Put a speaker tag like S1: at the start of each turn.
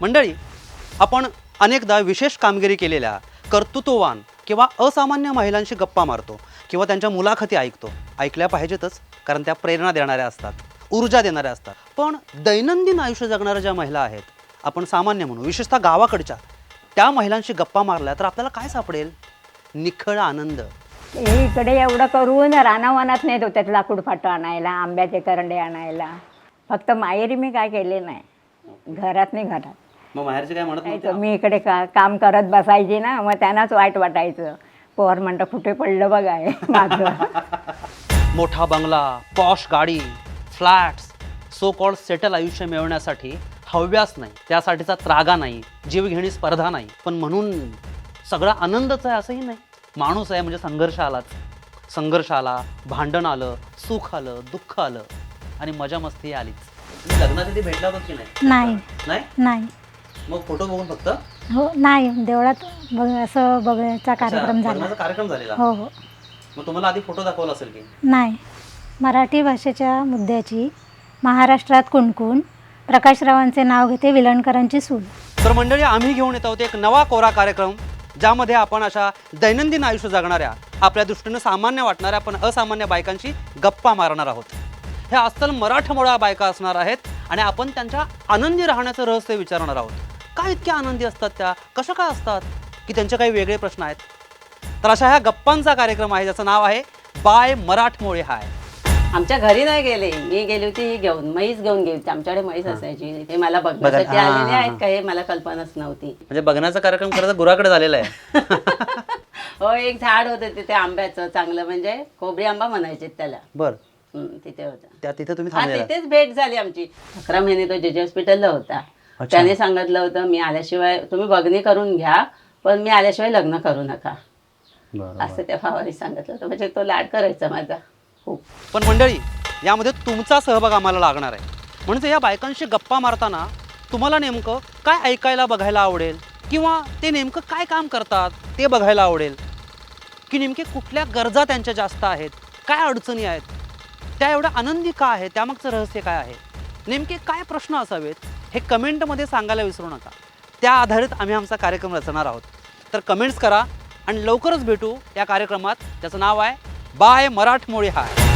S1: मंडळी, आपण अनेकदा विशेष कामगिरी केलेल्या कर्तृत्ववान किंवा असामान्य महिलांशी गप्पा मारतो किंवा त्यांच्या मुलाखती ऐकतो. ऐकल्या पाहिजेतच, कारण त्या प्रेरणा देणाऱ्या असतात, ऊर्जा देणाऱ्या असतात. पण दैनंदिन आयुष्य जगणाऱ्या ज्या महिला आहेत, आपण सामान्य म्हणू, विशेषतः गावाकडच्या, त्या महिलांशी गप्पा मारल्या तर आपल्याला काय सापडेल? निखळ आनंद.
S2: इकडे एवढं करून रानावनात नेत होत्यात लाकूड फाटं आणायला, आंब्याचे करंडे आणायला. फक्त माहेरी मी काय केले नाही, घरात नाही. घरात
S1: मग माहेरचे काय म्हणत नव्हते?
S2: मी इकडे काम करत बसायची ना, मग त्यांनाच वाईट वाटायचं. पोर म्हणतं कुठे पडलं बघाय माझं.
S1: मोठा बंगला, पॉश गाडी, फ्लॅट्स, सो कॉल्ड सेटल आयुष्य मिळवण्यासाठी हव्यास नाही, त्यासाठीचा त्रागा नाही, जीवघेणी स्पर्धा नाही. पण म्हणून सगळा आनंदच आहे असंही नाही. माणूस आहे म्हणजे संघर्ष आलाच. संघर्ष आला, भांडण आलं, सुख आलं, दुःख आलं आणि मजा मस्ती आलीच. लग्नाच्या आधी भेटला होता की नाही?
S3: नाही
S1: नाही
S3: नाही
S1: मग फोटो बघून फक्त?
S3: हो नाही, देवळात असं बघायचा कार्यक्रम झाला.
S1: लग्नाचा कार्यक्रम झालेला?
S3: हो हो.
S1: मग तुम्हाला आधी फोटो दाखवला असेल की?
S3: नाही. मराठी भाषेच्या मुद्द्याची महाराष्ट्रात कुणकुण, प्रकाशरावांचे नाव घेते विलणकरांची सून.
S1: तर मंडळी, आम्ही घेऊन येत आहोत एक नवा कोरा कार्यक्रम, ज्यामध्ये आपण अशा दैनंदिन आयुष्य जगणाऱ्या, आपल्या दृष्टीनं सामान्य वाटणाऱ्या पण असामान्य बायकांशी गप्पा मारणार आहोत. ह्या अस्सल मराठमोळ्या बायका असणार आहेत आणि आपण त्यांच्या आनंदी राहण्याचं रहस्य विचारणार आहोत. काय इतक्या आनंदी असतात त्या, कशा काय असतात, की त्यांचे काही वेगळे प्रश्न आहेत? तर अशा ह्या गप्पांचा कार्यक्रम आहे, ज्याचं नाव आहे बाय मराठमोळे हाय.
S4: आमच्या घरी नाही गेले, मी गेली होती घेऊन, म्हैस घेऊन गेली होती. आमच्याकडे म्हैस असायची, ते मला बघण्यासाठी आलेले आहेत का हे मला कल्पनाच नव्हती.
S1: म्हणजे बघण्याचा कार्यक्रम खरं तर गुराकडे झालेला आहे.
S4: हो, एक झाड होतं तिथे आंब्याचं चांगलं, म्हणजे कोबरी आंबा म्हणायचे त्याला.
S1: बर,
S4: तिथे होता.
S1: तिथे तुम्ही
S4: हा,
S1: थांबलेला?
S4: तिथेच भेट झाली आमची. 11 महिने तो जेजे हॉस्पिटलला होता. त्याने सांगितलं होतं, मी आल्याशिवाय तुम्ही बघणी करून घ्या, पण मी आल्याशिवाय लग्न करू नका, असं त्या भावाने सांगितलं होतं. म्हणजे तो लाड करायचा माझा खूप.
S1: पण मंडळी, यामध्ये तुमचा सहभाग आम्हाला लागणार आहे. म्हणजे या बायकांशी गप्पा मारताना तुम्हाला नेमकं काय ऐकायला बघायला आवडेल, किंवा ते नेमकं काय काम करतात ते बघायला आवडेल, की नेमके कुठल्या गरजा त्यांच्या जास्त आहेत, काय अडचणी आहेत, त्या एवढ्या आनंदी का आहे, त्यामागचं रहस्य काय आहे, नेमके काय प्रश्न असावेत, हे कमेंटमध्ये सांगायला विसरू नका. त्या आधारित आम्ही आमचा कार्यक्रम रचणार आहोत. तर कमेंट्स करा आणि लवकरच भेटू या कार्यक्रमात, ज्याचं नाव आहे बाय मराठमोळे हाय.